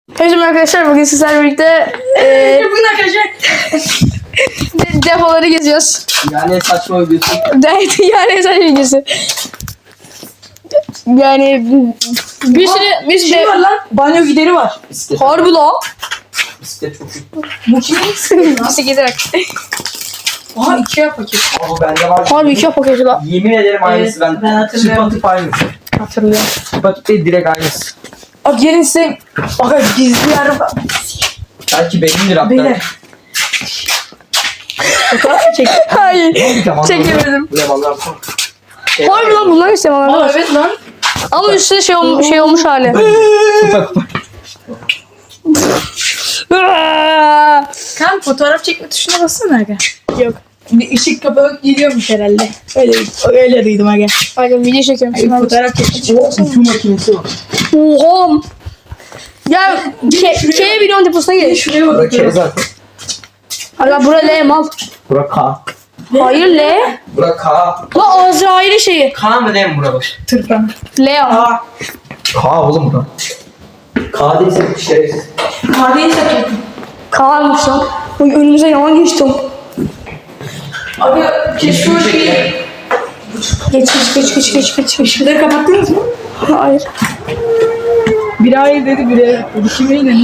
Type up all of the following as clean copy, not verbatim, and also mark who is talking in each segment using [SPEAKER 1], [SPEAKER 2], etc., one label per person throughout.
[SPEAKER 1] Merhaba arkadaşlar, bugün sizlerle birlikte
[SPEAKER 2] Bugün arkadaşlar
[SPEAKER 1] depoları geziyoruz.
[SPEAKER 3] Yani saçma videosu.
[SPEAKER 1] Yani sadece videosu. Yani bir sürü
[SPEAKER 2] şey var lan. Banyo gideri var.
[SPEAKER 3] Bisiklet.
[SPEAKER 1] harbi lan.
[SPEAKER 3] Bisiklet çok iyi.
[SPEAKER 2] Bu kimin?
[SPEAKER 1] Bisiklet bak.
[SPEAKER 2] Aha 2'ye paket.
[SPEAKER 3] Ama bende var.
[SPEAKER 1] Harbi 2 paketi lan.
[SPEAKER 3] Yemin ederim aynısı.
[SPEAKER 2] ben hatırlıyorum.
[SPEAKER 3] Çıpatıp aynısı.
[SPEAKER 1] Hatırlıyorum.
[SPEAKER 3] Çıpatıp değil, direkt aynısı.
[SPEAKER 2] Bak gelin size. Bak gizli yer var.
[SPEAKER 3] Belki benimdir hatta.
[SPEAKER 2] Beyler. Fotoğraf mı çek?
[SPEAKER 1] Hayır.
[SPEAKER 3] Tamam.
[SPEAKER 1] Çekemedim.
[SPEAKER 3] Bu yamanlar var.
[SPEAKER 1] Harbi lan bunlar işte bana.
[SPEAKER 2] Aa evet lan.
[SPEAKER 1] Ama üstüne şey olmuş hali.
[SPEAKER 3] Kupa kupa.
[SPEAKER 2] Kan fotoğraf çekme tuşuna bassana aga. Yok. Bir ışık kapağı geliyormuş herhalde. Öyle duydum aga.
[SPEAKER 1] Bakın video çekiyorum.
[SPEAKER 2] Ay, fotoğraf çekme.
[SPEAKER 3] O ütü makinesi var.
[SPEAKER 1] Oha. Ya K videonun deposuna gel.
[SPEAKER 2] Şuraya bak.
[SPEAKER 3] Burak K zaten.
[SPEAKER 1] Hala bura L mal.
[SPEAKER 3] Burak K.
[SPEAKER 1] Hayır L.
[SPEAKER 3] Burak K.
[SPEAKER 1] La Azrail'in şeyi.
[SPEAKER 3] K mı değil mi Burak?
[SPEAKER 2] Tırpan.
[SPEAKER 1] L ama.
[SPEAKER 2] Aa.
[SPEAKER 3] K oğlum Burak. K değilse şerefsiz.
[SPEAKER 2] Kadeyi satıyordum.
[SPEAKER 1] Kalanmış lan. Oy, önümüze yalan geçtim.
[SPEAKER 2] Abi keşke o şeyi.
[SPEAKER 1] Geç.
[SPEAKER 2] Işıkları kapattınız mı?
[SPEAKER 1] Hayır.
[SPEAKER 2] Biri hayır dedi, biri evet dedi. Kime inanın?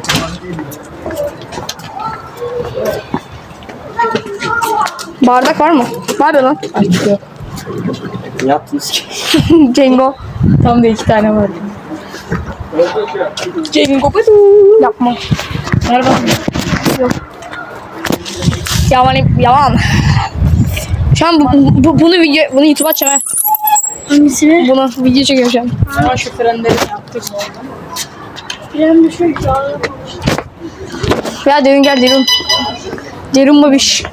[SPEAKER 1] Bardak var mı? Var ya lan.
[SPEAKER 2] Açık yok.
[SPEAKER 3] Ne yaptınız ki?
[SPEAKER 1] Cengo.
[SPEAKER 2] Tam da 2 tane var.
[SPEAKER 1] Cengo. Yapma.
[SPEAKER 2] Ver bak.
[SPEAKER 1] Yalan. Şu an bunu YouTube'a açacağım ha.
[SPEAKER 4] Hangisini?
[SPEAKER 1] Bunu video çekiyorum şu an.
[SPEAKER 2] Ama şu frenleri yaptık.
[SPEAKER 4] Bilen bir şey daha.
[SPEAKER 1] Ya Derun gel Derun. Derun babiş.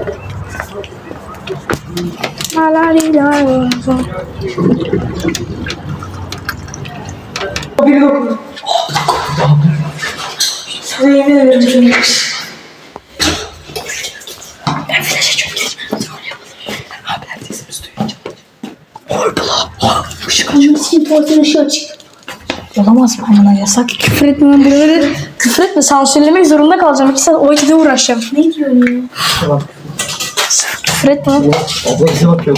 [SPEAKER 2] Biri dokundu. Sana yemin ederim.
[SPEAKER 4] Hangisinin tuvaletinin ışığı açık?
[SPEAKER 2] Olamaz mı amına, yasak.
[SPEAKER 1] Küfür etme lan buraları. Küfür etme, sansürlemek zorunda kalacağım. 2 saat o vakide uğraşacağım.
[SPEAKER 4] Ne diyorsun ya?
[SPEAKER 3] Tamam.
[SPEAKER 1] Küfür etme lan.
[SPEAKER 3] Abla bize bakıyor.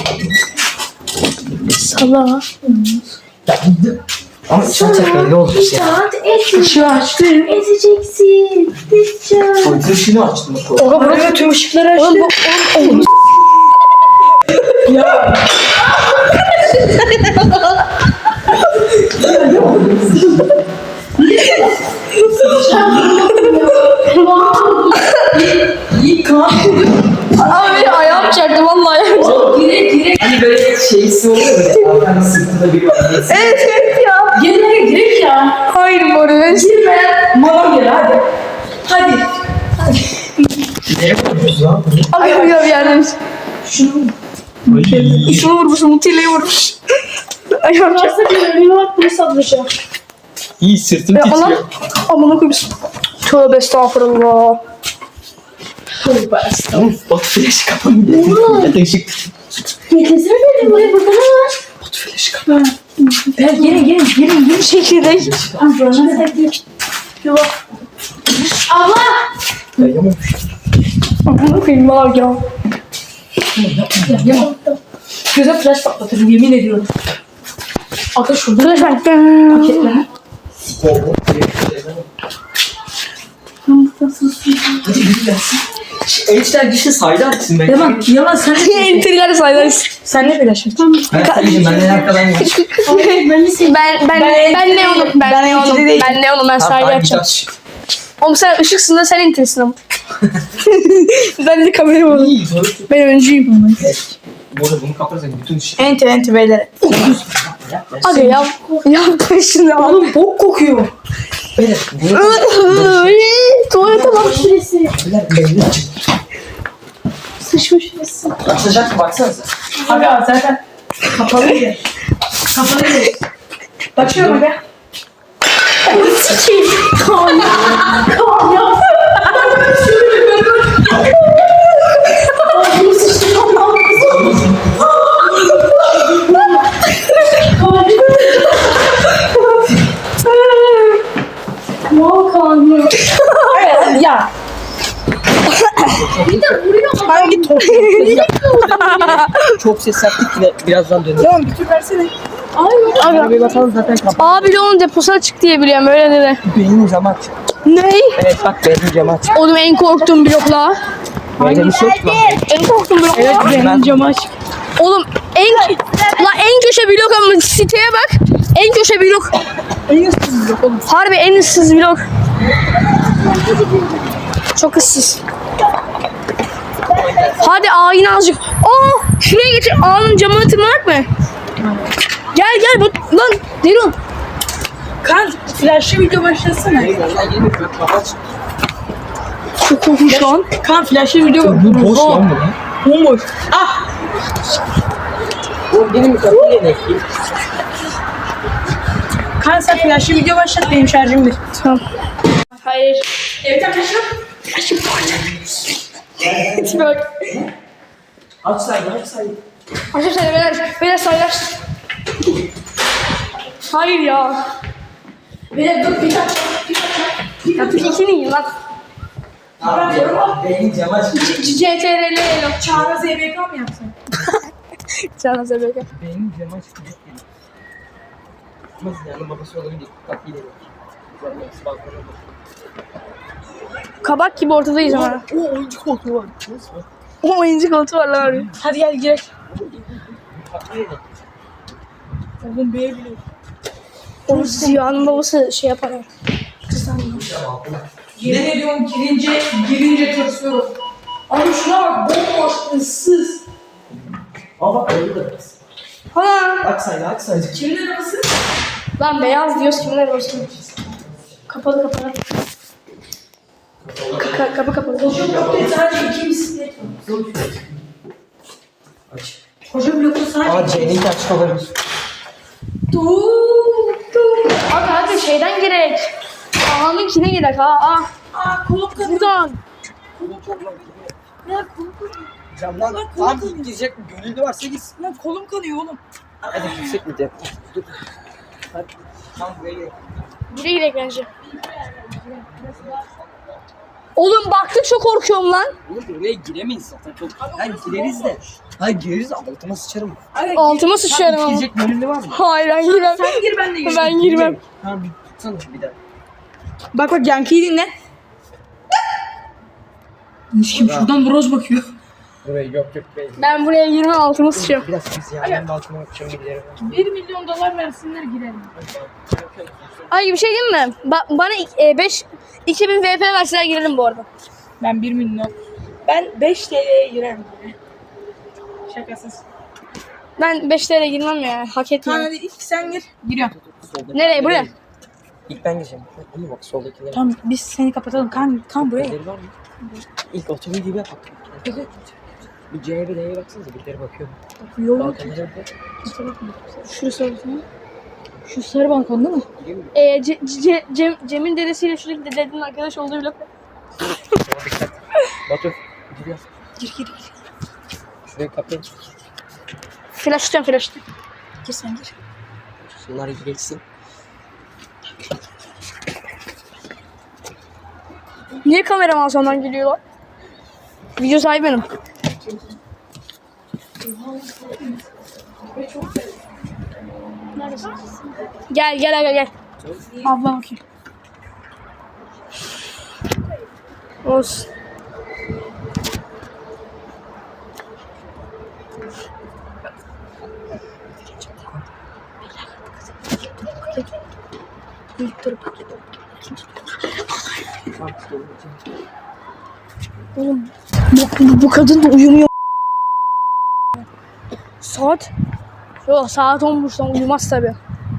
[SPEAKER 1] Salla.
[SPEAKER 3] Ya gitti. Ama içeride ne olacak ya?
[SPEAKER 4] Saat et.
[SPEAKER 1] Işığı açtı.
[SPEAKER 4] Ezeceksin. Ezeceğim.
[SPEAKER 3] O ışığını açtım.
[SPEAKER 1] Oha
[SPEAKER 2] Buraya
[SPEAKER 1] burası.
[SPEAKER 2] tüm ışıkları açtı.
[SPEAKER 1] Oğlum bu.
[SPEAKER 2] Ya. İyi kan.
[SPEAKER 1] Abi benim ayağım çarptı vallahi ayağım çarptı.
[SPEAKER 2] Direkt.
[SPEAKER 3] Hani böyle şeysi oluyor ya. Arkada sırtında bir var.
[SPEAKER 1] Evet ya.
[SPEAKER 2] Gel direkt ya.
[SPEAKER 1] Hayır Boris.
[SPEAKER 2] Girme. Mama gel hadi. Hadi.
[SPEAKER 3] Nereye koyuyoruz lan?
[SPEAKER 1] Abi bir yerden.
[SPEAKER 2] Şunu.
[SPEAKER 1] Şunu vurmuş, Mutile'yi vurmuş. Ayağım çarptı.
[SPEAKER 4] Varsa bir önüme bak bunu satacağım.
[SPEAKER 3] İyi, sırtım
[SPEAKER 1] Ya Allah.
[SPEAKER 3] titriyor.
[SPEAKER 1] Amına koymuş. Tövbe estağfurullah.
[SPEAKER 3] Of, bot flash kapanıyor. Ya da ışık.
[SPEAKER 4] Getirsin dedim buraya burada ne var?
[SPEAKER 3] Bot flash kapanıyor.
[SPEAKER 1] Gelin şekilde.
[SPEAKER 4] Yok. Abla.
[SPEAKER 3] Ya yamuk.
[SPEAKER 1] Amına koyayım var ya.
[SPEAKER 2] Göze flash patlatırım yemin ediyorum. Aga şurada
[SPEAKER 1] Dur ben.
[SPEAKER 2] paketler.
[SPEAKER 3] Hadi yürü gelsin. Elçiler dişi saydı açsın ben.
[SPEAKER 2] Yalan, yalan sen
[SPEAKER 1] Entriler saylarız.
[SPEAKER 2] sen ne flash açtın?
[SPEAKER 3] Ben sayayım, ben en arkadan gel.
[SPEAKER 1] Ben ne onu? Ben ne onu? Ben ne onu? Ben sayı açacağım. Oğlum sen ışıksın da sen entrisin ama. Ben de kamera var.
[SPEAKER 3] İyi, doğru.
[SPEAKER 1] Ben öncüyüm.
[SPEAKER 3] Burada bunu kapatırsak bütün ışık.
[SPEAKER 2] Enti beyler.
[SPEAKER 1] Hadi yap. Yapma şunu.
[SPEAKER 2] Oğlum bok kokuyor.
[SPEAKER 3] Beyler, bunu
[SPEAKER 1] Tuvalete bak.
[SPEAKER 4] Şurası.
[SPEAKER 3] beyler belli açık.
[SPEAKER 4] Sıçma şurası.
[SPEAKER 3] Açılacak mı baksanıza.
[SPEAKER 2] Aga zaten kapalı yer. Kapalı yer. Bakıyorum aga.
[SPEAKER 4] Sıçayım. Kaan ya. Kaan ya. Ay, sıçtım. Wow. Aa Kaan.
[SPEAKER 2] Evet ya.
[SPEAKER 4] Bir de vuruyor.
[SPEAKER 2] Hangi top?
[SPEAKER 3] Çok ses yaptık yine birazdan dönüyor.
[SPEAKER 2] Tamam bir tur versene.
[SPEAKER 4] Ay.
[SPEAKER 3] Arabayı basalım zaten kapat.
[SPEAKER 1] Abi de onun deposu açık diye biliyorum öyle dedi.
[SPEAKER 3] Benim camı aç.
[SPEAKER 1] Ney?
[SPEAKER 3] Evet bak benim camı aç.
[SPEAKER 1] Oğlum en korktuğum blokla.
[SPEAKER 3] Böyle bir şey yok mu?
[SPEAKER 1] En korktuğum blok.
[SPEAKER 2] Evet benim camı aç.
[SPEAKER 1] Oğlum en köşe blok ama siteye bak. En köşe blok.
[SPEAKER 2] En ıssız yok oğlum.
[SPEAKER 1] Harbi en ıssız blok. Çok ıssız. Hadi ağayın azıcık. Aa şuraya getir. Ağanın camını tırmanak mı? Gel bak lan Derun.
[SPEAKER 2] Kan flash'lı video başlasana.
[SPEAKER 3] Vallahi girmiyor. Camı aç.
[SPEAKER 1] Çok korkunç lan.
[SPEAKER 2] Kan flash'lı video
[SPEAKER 3] Bu boş lan bu ne?
[SPEAKER 2] Bomboş. Ah.
[SPEAKER 3] Bu benim kapıyı yemek.
[SPEAKER 2] Kan sen flash'lı video başlat benim şarjım bir.
[SPEAKER 1] Tamam. Hayır.
[SPEAKER 2] Evet arkadaşlar.
[SPEAKER 1] Bak.
[SPEAKER 3] Aç saydı aç saydı.
[SPEAKER 1] Arkadaşlar beyler saylar. Hayır ya.
[SPEAKER 2] Beyler dur bir dakika.
[SPEAKER 1] Ya ikini yiyin lan.
[SPEAKER 3] Benim camı aç.
[SPEAKER 1] CTRL elo.
[SPEAKER 2] Çağrı ZBK mı yapsın?
[SPEAKER 1] Canan Sebeke.
[SPEAKER 3] Benim camı aç. Ama yani babası olabilir. Kapıyı yemek. Nasıl balkona bak.
[SPEAKER 1] Kabak gibi ortadayız ama.
[SPEAKER 3] O oyuncu koltuğu var. Nasıl bak?
[SPEAKER 1] O oyuncu koltuğu var lan abi.
[SPEAKER 2] Hadi gel girelim.
[SPEAKER 3] Kapıyı yemek.
[SPEAKER 2] Oğlum B'ye bile.
[SPEAKER 1] O Ziya'nın babası şey yapar. ya.
[SPEAKER 2] Yemin ediyorum girince tırsıyorum. Abi şuna bak bomboş ıssız.
[SPEAKER 3] Aa bak öyle de biraz.
[SPEAKER 1] Ha.
[SPEAKER 3] Aç saydı aç saydı.
[SPEAKER 2] Kimin arabası?
[SPEAKER 1] Lan beyaz diyoruz kimler olsun. Kapalı. Kapı kapalı.
[SPEAKER 2] Sadece iki bisiklet var.
[SPEAKER 3] Aç.
[SPEAKER 2] Koca blokta sadece
[SPEAKER 3] Aa C'ninki açık olabilir.
[SPEAKER 1] Abi şeyden gerek. Ağanınkine gerek ha.
[SPEAKER 2] Aa kolum kanıyor.
[SPEAKER 1] Buradan.
[SPEAKER 2] Ya kolum kanıyor.
[SPEAKER 3] Camdan tam girecek mi? Gönüllü varsa gitsin.
[SPEAKER 2] Lan kolum kanıyor oğlum.
[SPEAKER 3] Hadi yüksek mi de? Dur. Hadi. Tam buraya gel.
[SPEAKER 1] Buraya gerek bence. Oğlum baktık çok korkuyorum lan.
[SPEAKER 3] Oğlum buraya giremeyiz zaten çok. Hayır gireriz de. Hayır gireriz de altıma sıçarım.
[SPEAKER 1] Altıma sıçıyorum ama.
[SPEAKER 3] Girecek gönüllü var mı?
[SPEAKER 1] Hayır ben girmem.
[SPEAKER 2] Sen gir ben de gireyim.
[SPEAKER 1] Ben girmem.
[SPEAKER 3] Tamam bir tutsana bir daha.
[SPEAKER 2] Bak Yankı'yı dinle. Kim şuradan broz bakıyor.
[SPEAKER 3] Buraya yok değil.
[SPEAKER 1] Ben buraya girmem altıma sıçıyorum.
[SPEAKER 3] Biraz biz yani balkona bakacağım gidelim.
[SPEAKER 2] 1 milyon dolar versinler girelim.
[SPEAKER 1] Ay bir şey diyeyim mi? Bana 2000 VP verseler girelim bu arada.
[SPEAKER 2] Ben 1 milyon. Ben 5 TL'ye girerim. Şakasız.
[SPEAKER 1] Ben 5 TL girmem ya. Hak
[SPEAKER 2] Tamam
[SPEAKER 1] etmiyorum.
[SPEAKER 2] hadi ilk sen gir. Giriyorum.
[SPEAKER 1] Nereye buraya?
[SPEAKER 3] İlk ben gireceğim. Ama bak soldakiler.
[SPEAKER 2] Tamam biz seni kapatalım. Kan buraya.
[SPEAKER 3] Birileri var mı? İlk otomobil gibi bak. Bir C'ye bir D'ye baksanıza birileri bakıyor.
[SPEAKER 2] Yolu
[SPEAKER 3] Balkonlara bak.
[SPEAKER 1] Şurası olsun.
[SPEAKER 2] şu sarı balkon değil mi?
[SPEAKER 3] Gireyim mi?
[SPEAKER 1] Cem'in dedesiyle şuradaki dedenin arkadaş olduğu blok.
[SPEAKER 3] Tamam dikkat. Batu. Giriyor.
[SPEAKER 2] Gir.
[SPEAKER 3] Şuraya kapıyı.
[SPEAKER 1] Flash tutuyorum.
[SPEAKER 2] Gir sen gir.
[SPEAKER 3] Şunlar iyi geçsin.
[SPEAKER 1] Niye kameraman sondan geliyorlar? Video sahibi benim. Gel.
[SPEAKER 2] Abla bakayım.
[SPEAKER 1] Olsun. Oğlum bu kadın da uyumuyor. Saat? Yok saat 10.30'dan uyumaz tabi.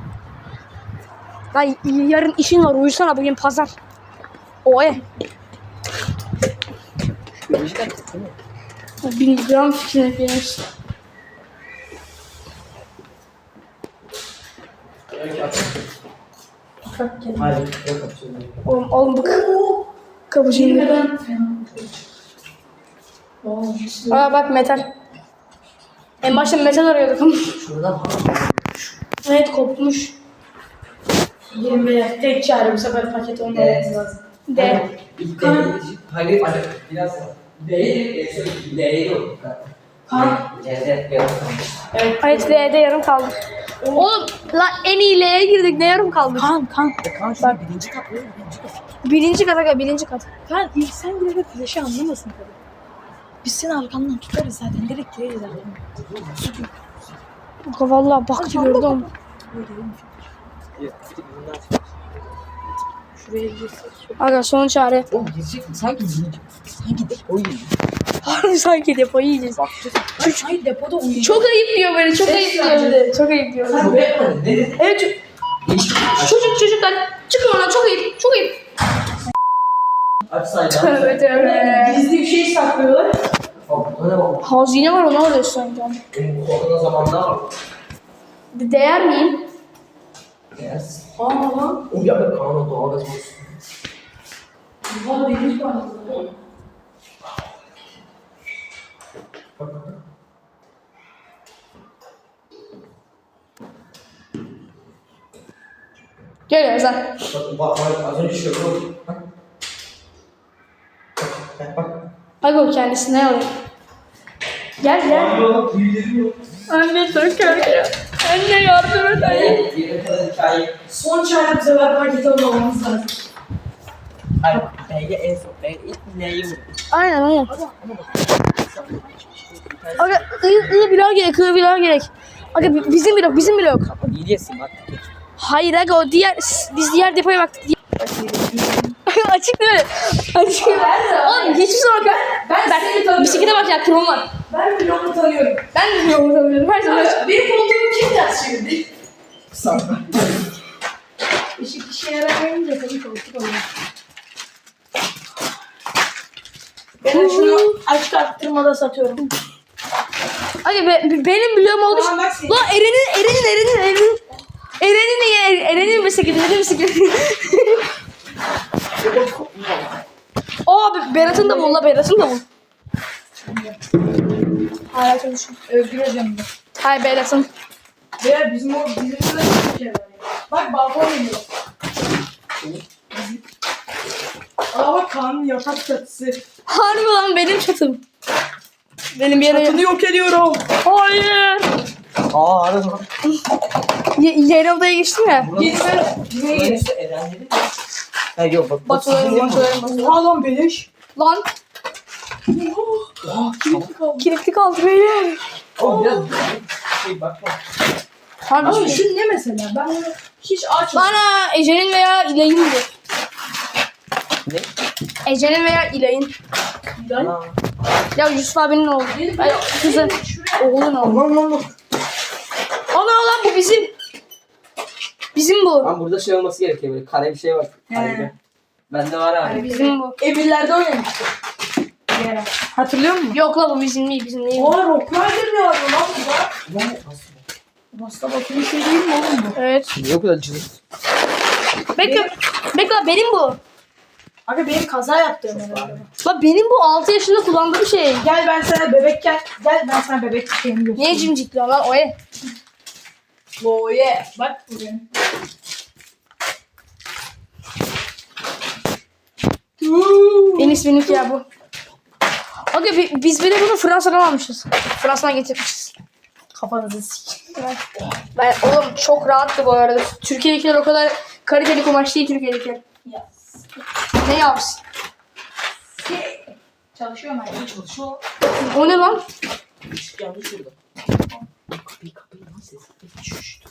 [SPEAKER 1] Lan yarın işin var uyusana bugün pazar. Oy.
[SPEAKER 3] Biyolojik aktif değil mi?
[SPEAKER 1] 1000 gram fikrine beğenir.
[SPEAKER 3] Hayır. Yok açıyorum.
[SPEAKER 1] Oğlum bak. Kapıcıyım. Aa bak metal. En başta metal arıyorduk ama.
[SPEAKER 3] Şuradan
[SPEAKER 1] Evet kopmuş.
[SPEAKER 2] 20 tek çare bu sefer paket olmamız lazım.
[SPEAKER 1] De.
[SPEAKER 3] Hayır, biraz daha. Değil, değil yok. C'de yarım kalmış.
[SPEAKER 1] Hayır L'de yarım kaldık. Oğlum la en iyi L'ye girdik. Ne yarım kaldık?
[SPEAKER 2] Kaan.
[SPEAKER 3] Kaan şu birinci kat mı?
[SPEAKER 1] Birinci kat.
[SPEAKER 2] Kaan ilk sen girerek flash'ı anlamasın tabii. Biz seni arkandan tutarız zaten. Direkt gireriz zaten.
[SPEAKER 1] Kanka valla baktı gördüm.
[SPEAKER 2] Şuraya girsin.
[SPEAKER 1] Aga son çare.
[SPEAKER 3] Oğlum girecek mi? Sanki girecek. Sanki de o yiyecek.
[SPEAKER 1] Harbi sanki depoyu yiyeceğiz.
[SPEAKER 3] Bakacağız.
[SPEAKER 2] Hayır depoda uyuyacak.
[SPEAKER 1] Çok ayıp diyor böyle. Çok ayıp diyor böyle. Çok ayıp diyor.
[SPEAKER 3] Çok yapmadın. Ne dedin?
[SPEAKER 1] Evet çocuklar çıkın oradan çok ayıp. Çok ayıp.
[SPEAKER 3] Aç saydan.
[SPEAKER 1] Evet evet.
[SPEAKER 2] Gizli bir şey saklıyorlar.
[SPEAKER 3] Ne bak?
[SPEAKER 1] Hazine var onu arıyorsun sanki.
[SPEAKER 3] Benim bu korona zamanında var.
[SPEAKER 1] Değer miyim?
[SPEAKER 3] Yes.
[SPEAKER 2] Aa lan.
[SPEAKER 3] O ya da Kaan'a doğal gaz olsun.
[SPEAKER 2] Valla deniz var.
[SPEAKER 1] Gel Ezan.
[SPEAKER 3] Bak az önce şöyle oldu. Bak.
[SPEAKER 1] Bak o kendisine alıyor. Gel gel. Anne çok korkuyor. Anne yardım et anne.
[SPEAKER 3] Yere kadar hikaye.
[SPEAKER 2] Son çare bu sefer paket olmamız lazım.
[SPEAKER 3] Hayır. B'ye en son. Ben ilk neyi vurdum?
[SPEAKER 1] Aynen aynen. Aga ı biraz gerek, biraz gerek. Aga bizim blok.
[SPEAKER 3] İyi diyesin bak.
[SPEAKER 1] Hayır aga o diğer, biz diğer depoya baktık. Açık değil mi? Açık. Oğlum hiçbir zaman ben bisiklete bak ya krom var.
[SPEAKER 2] Ben bloğumu tanıyorum.
[SPEAKER 1] Ben de bloğumu tanıyorum. Her zaman açık.
[SPEAKER 2] Benim koltuğum kim ters çevirdi?
[SPEAKER 3] Sanma.
[SPEAKER 2] Işık işe yaramayınca tabii koltuk oluyor. Ben şunu açık arttırmada satıyorum.
[SPEAKER 1] Aga benim bloğum oldu.
[SPEAKER 2] Tamam, bak senin.
[SPEAKER 1] Lan Eren'in bisikleti. Aa Berat'ın da bul la Berat'ın da bul. Hala çalışıyor.
[SPEAKER 2] Özgür hocam da.
[SPEAKER 1] Hayır Berat'ın.
[SPEAKER 2] Veya bizim burada bir şey var ya. Bak balkon geliyor. Aa bak Kaan'ın yatak çatısı.
[SPEAKER 1] Harbi lan benim çatım. Benim bir yere...
[SPEAKER 2] Çatını yok ediyorum.
[SPEAKER 1] Hayır.
[SPEAKER 3] Aa arada lan.
[SPEAKER 1] Yeni odaya geçtim ya.
[SPEAKER 2] Gitme. Bize gelin.
[SPEAKER 3] Burası Eren dedi mi? Ha yok bak.
[SPEAKER 1] Batularım.
[SPEAKER 2] Oha lan beleş.
[SPEAKER 1] Lan
[SPEAKER 3] Oha kilitli kaldı.
[SPEAKER 1] kilitli kaldı beyler.
[SPEAKER 3] Oğlum biraz şey bakma.
[SPEAKER 1] Harbi
[SPEAKER 2] Ama
[SPEAKER 1] şey.
[SPEAKER 2] şu ne mesela? Ben bunu hiç açmadım.
[SPEAKER 1] Bana Ece'nin veya İlay'ın diyor.
[SPEAKER 3] Ne?
[SPEAKER 1] Ece'nin veya İlay'ın.
[SPEAKER 3] Aa.
[SPEAKER 1] Ya Yusuf abinin oğlu. Ay, kızın. Oğlun oğlu.
[SPEAKER 3] Lan.
[SPEAKER 1] Ana lan bu bizim. Bizim bu.
[SPEAKER 3] Lan burada şey olması gerekiyor böyle kare bir şey var. Harika. Bende var abi.
[SPEAKER 1] Bizim bu.
[SPEAKER 2] Emirler'de oynamıştık. Bir ara. Hatırlıyor musun?
[SPEAKER 1] Yok la bu bizim değil bizim değil.
[SPEAKER 2] Aa Rock Rider ne var lan burada?
[SPEAKER 3] Lan
[SPEAKER 2] Basta bakın bir şey değil mi oğlum bu?
[SPEAKER 1] Evet.
[SPEAKER 3] niye o kadar cılız?
[SPEAKER 1] Bekle benim bu.
[SPEAKER 2] Aga benim kaza yaptığım herhalde.
[SPEAKER 1] La benim bu 6 yaşında kullandığım şey.
[SPEAKER 2] Gel ben sana bebekken, gel ben sana bebek şeyini göstereyim.
[SPEAKER 1] Niye cimcikli lan o ye?
[SPEAKER 2] Oh yeah. Bak bu benim.
[SPEAKER 1] En iyisi benimki ya bu. Aga biz bile bunu Fransa'dan almışız. Fransa'dan getirmişiz.
[SPEAKER 2] Kafanızı sik.
[SPEAKER 1] Ben oğlum çok rahattı bu arada. Türkiye'dekiler o kadar kaliteli kumaş değil Türkiye'dekiler.
[SPEAKER 2] Yes.
[SPEAKER 1] Ne yapsın?
[SPEAKER 2] Çalışıyor mu?
[SPEAKER 3] Çalışıyor.
[SPEAKER 1] O ne lan?
[SPEAKER 3] Işık yandı şurada. Kapıyı lan ses. Şşş.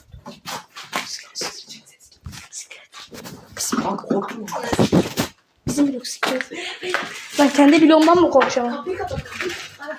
[SPEAKER 3] Bak korkma.
[SPEAKER 1] Bizim blok siktir. Ben kendi bloğumdan mı korkacağım?
[SPEAKER 2] Kapıyı kapat. Kapıyı kapat.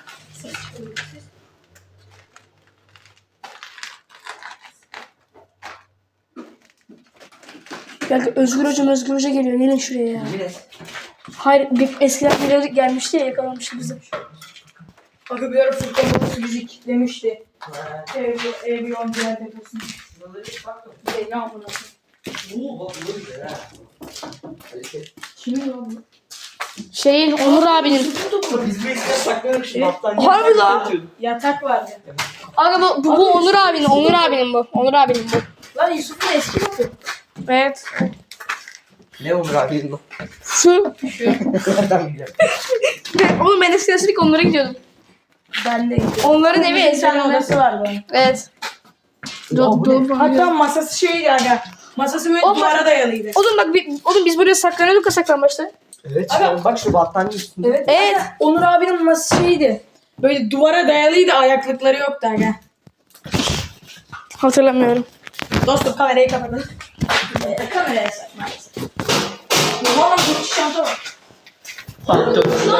[SPEAKER 1] Geldi Özgür Hoca geliyor. Gelin şuraya ya.
[SPEAKER 3] Biraz.
[SPEAKER 1] Hayır eskiden geliyorduk gelmişti ya yakalamıştı bizi.
[SPEAKER 2] Aga bir ara Furkan babası bizi kilitlemişti. Ev yon diğer deposunu. Ne amına.
[SPEAKER 3] Oo bak böyle ha.
[SPEAKER 2] Kimin lan bu?
[SPEAKER 1] Şeyin Onur abinin.
[SPEAKER 3] Biz bu eskiden saklıyorduk şimdi hastaneye.
[SPEAKER 1] Harbi lan.
[SPEAKER 2] Yatak vardı.
[SPEAKER 1] Aga bu Onur abinin bu. Onur abinin bu.
[SPEAKER 2] Lan Yusuf'un eski bakı.
[SPEAKER 1] Evet.
[SPEAKER 3] Ne Onur abi?
[SPEAKER 1] Şu.
[SPEAKER 3] Nereden biliyorum?
[SPEAKER 1] Oğlum ben eskiden sürekli onlara gidiyordum.
[SPEAKER 2] Ben de gidiyorum.
[SPEAKER 1] Onların evi
[SPEAKER 2] Bir tane
[SPEAKER 1] ezberinde.
[SPEAKER 2] odası vardı onun.
[SPEAKER 1] Evet.
[SPEAKER 3] Ya bu ne?
[SPEAKER 2] Hatta masası şeydi aga. Masası böyle
[SPEAKER 1] Oğlum,
[SPEAKER 2] duvara dayalıydı.
[SPEAKER 1] Oğlum bak oğlum biz buraya saklanıyorduk ya saklambaçta.
[SPEAKER 3] Evet işte bak şu battaniye üstünde.
[SPEAKER 2] Evet.
[SPEAKER 1] Evet.
[SPEAKER 2] Aga, Onur abinin masası şeydi. Böyle duvara dayalıydı, ayaklıkları yoktu aga.
[SPEAKER 1] Hatırlamıyorum.
[SPEAKER 2] Dostum kamerayı kapatın. Kameraya sak maalesef. Valla bu çanta var. Lan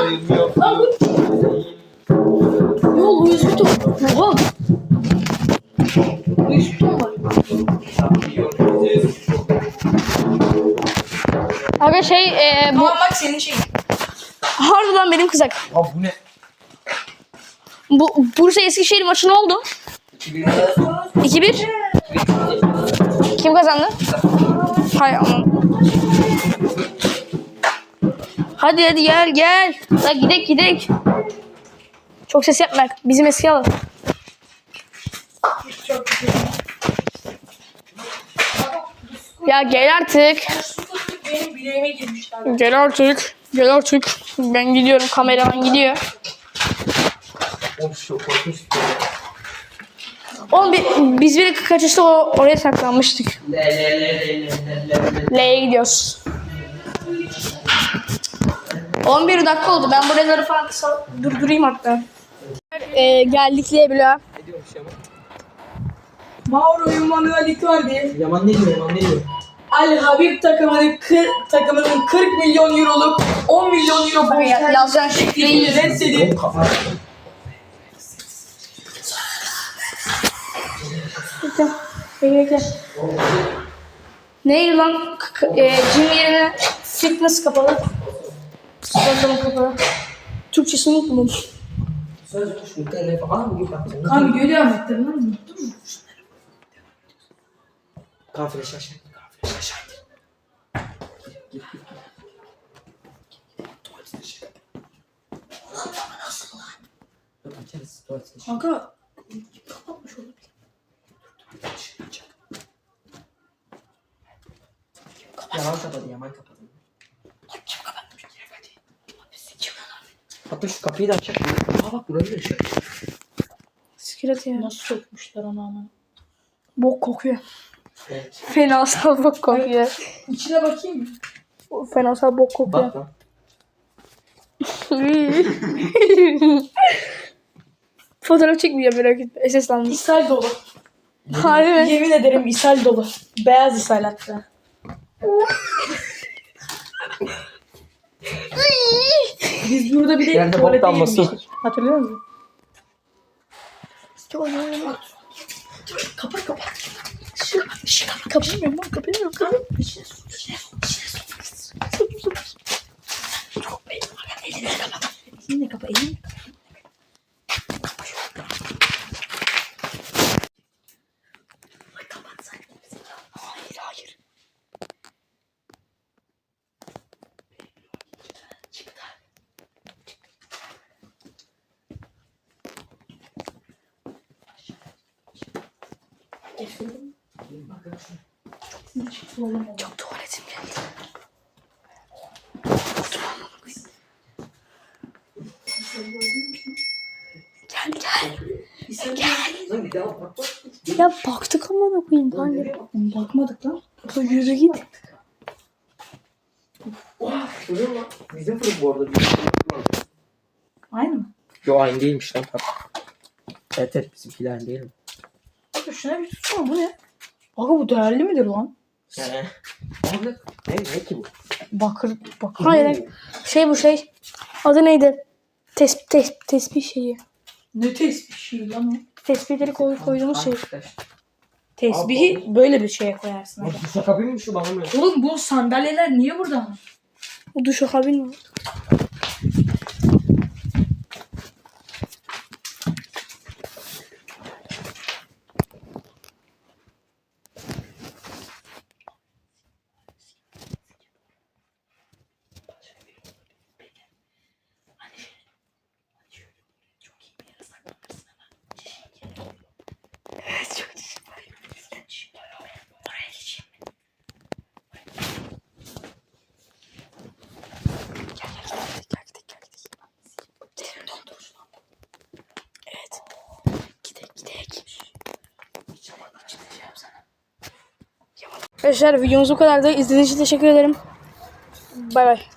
[SPEAKER 2] bu. Yo Louis Vuitton. Oha. Louis Vuitton var.
[SPEAKER 1] Aga bu
[SPEAKER 2] Tamam bak senin şeyin.
[SPEAKER 1] harbiden benim kızak.
[SPEAKER 3] Abi bu ne?
[SPEAKER 1] Bu Bursa Eskişehir maçı ne oldu? 2-1. Kim kazandı? Hay aman. Hadi gel. La gidek. Çok ses yapma. Bizim eski alın.
[SPEAKER 2] Çok güzel.
[SPEAKER 1] Ya gel artık.
[SPEAKER 2] Benim bileğime girmişti abi.
[SPEAKER 1] Gel artık. Ben gidiyorum. Kameraman gidiyor.
[SPEAKER 3] Of çok korkunç.
[SPEAKER 1] Oğlum biz bir kaçışta oraya saklanmıştık. L'ye gidiyoruz. 11 dakika oldu. Ben buraları falan kısa durdurayım hatta. Geldik L'ye bile.
[SPEAKER 3] Ne diyormuş Yaman?
[SPEAKER 2] Mauro Emanuel Icardi
[SPEAKER 3] Yaman ne diyor? Yaman ne diyor?
[SPEAKER 2] Al Habib takımının 40 milyon euroluk 10 milyon euro bonservis
[SPEAKER 1] Yazacağın şifreyi
[SPEAKER 2] reddedip
[SPEAKER 3] Oğlum kafa.
[SPEAKER 1] Bekle. Neydi lan? Gym yerine fitness kapalı. Spor kapalı. Türkçesini unutmadım.
[SPEAKER 3] Söz kuş mu? Telefon. Aa bugün baktım.
[SPEAKER 2] kan görüyor musun? Unuttun mu?
[SPEAKER 3] Kan flash aşağı. Dur açarız. Tuvalet dışı.
[SPEAKER 2] Kanka kapatmış olabilir.
[SPEAKER 3] Yaman kapadı. Hatta şu kapıyı da açacak. Aa bak burayı da açacak.
[SPEAKER 1] Sikiret ya.
[SPEAKER 2] Nasıl sokmuşlar onu ana?
[SPEAKER 1] Bok kokuyor.
[SPEAKER 3] Evet.
[SPEAKER 1] Fenasal bok kokuyor.
[SPEAKER 2] İçine bakayım mı?
[SPEAKER 1] Fenasal bok kokuyor.
[SPEAKER 3] Bak lan.
[SPEAKER 1] Fotoğraf çekmeyeceğim merak etme. SS'landım.
[SPEAKER 2] İshal dolu.
[SPEAKER 1] Harbi mi?
[SPEAKER 2] Yemin ederim ishal dolu. Beyaz ishal hatta. Biz burada bir de
[SPEAKER 3] Yerde bok
[SPEAKER 2] tuvalete
[SPEAKER 3] damlası.
[SPEAKER 2] girmiştik. Hatırlıyor musun? Kapat.
[SPEAKER 1] Kapamıyorum lan kapamıyorum.
[SPEAKER 2] Elini kapa, elini.
[SPEAKER 1] Hayır. Çok tuvaletim geldi. Gel.
[SPEAKER 3] Lan bir daha bak.
[SPEAKER 1] Ya baktık ama ne koyayım kanka.
[SPEAKER 2] Bakmadık lan.
[SPEAKER 1] Yürü git.
[SPEAKER 3] Oha şuraya lan. Bizim fırın bu arada.
[SPEAKER 2] Aynı mı?
[SPEAKER 3] Yo aynı değilmiş lan. Evet bizimkiler aynı değil mi?
[SPEAKER 2] Abi şuna bir tutsana, bu ne? Aga bu değerli midir lan?
[SPEAKER 3] Abi ne ki bu?
[SPEAKER 2] Bakır.
[SPEAKER 1] Hayır. Bu şey. Adı neydi? Tespih şeyi.
[SPEAKER 2] Ne tespih şey lan o?
[SPEAKER 1] Tespihleri koyduğumuz şey.
[SPEAKER 2] Tesbihi böyle bir şeye koyarsın. Aga.
[SPEAKER 3] Bu şaka mı şu bana mı?
[SPEAKER 2] Oğlum bu sandalyeler niye burada?
[SPEAKER 1] O duş kabin mi? Arkadaşlar videomuz bu kadardı. İzlediğiniz için teşekkür ederim. Bay bay.